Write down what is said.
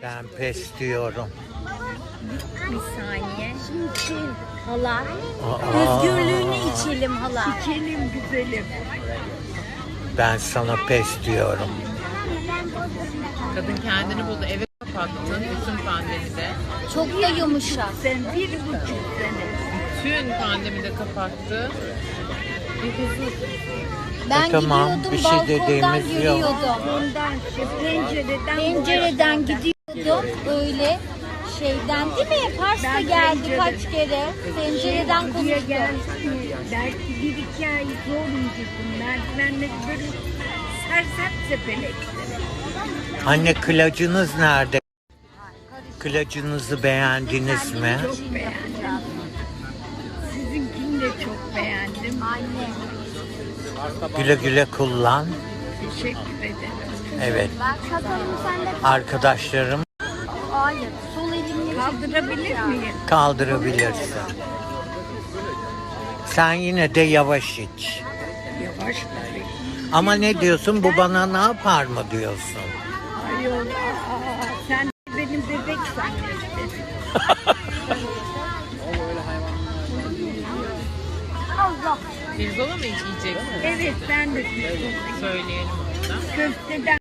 Ben pes diyorum. Bir saniye. Hala. Aa. Özgürlüğünü içelim hala. İçelim güzelim. Ben sana pes diyorum. Kadın kendini buldu, eve kapattı bütün pandemide. Çok da yumuşak. Sen 1,5 sene. Bütün pandemide kapattı. Bir huzur. Ben Tamam, gidiyordum bir şey balkondan dediğimiz yok. görüyordum. Ondan Pencereden gidiyordum öyle şeyden değil mi? Pars'ta Ben geldi pencere- kaç kere. Pencereden Buraya konuştu. gelsin mi? Belki 1-2 ay zor incesin. Merdivenleri böyle sersem sepelektir. Anne, kılacınız nerede? Kılacınızı beğendiniz mi? Çok beğendim. Sizinkini de çok beğendim. Anne. Güle güle kullan. Teşekkür ederim. Evet. Ben sakalım sende. Arkadaşlarım Hayır. Sol elimle Kaldırabilir miyim? kaldırabilirsin. Sen yine de yavaş iç. Yavaş tabii. Ama ne diyorsun? Bu bana ne yapar mı diyorsun? Ayol, sen benim bebek zannettin. Allah. Pirzola mı yiyecek? Evet, ben de Söyleyelim ona. köfteden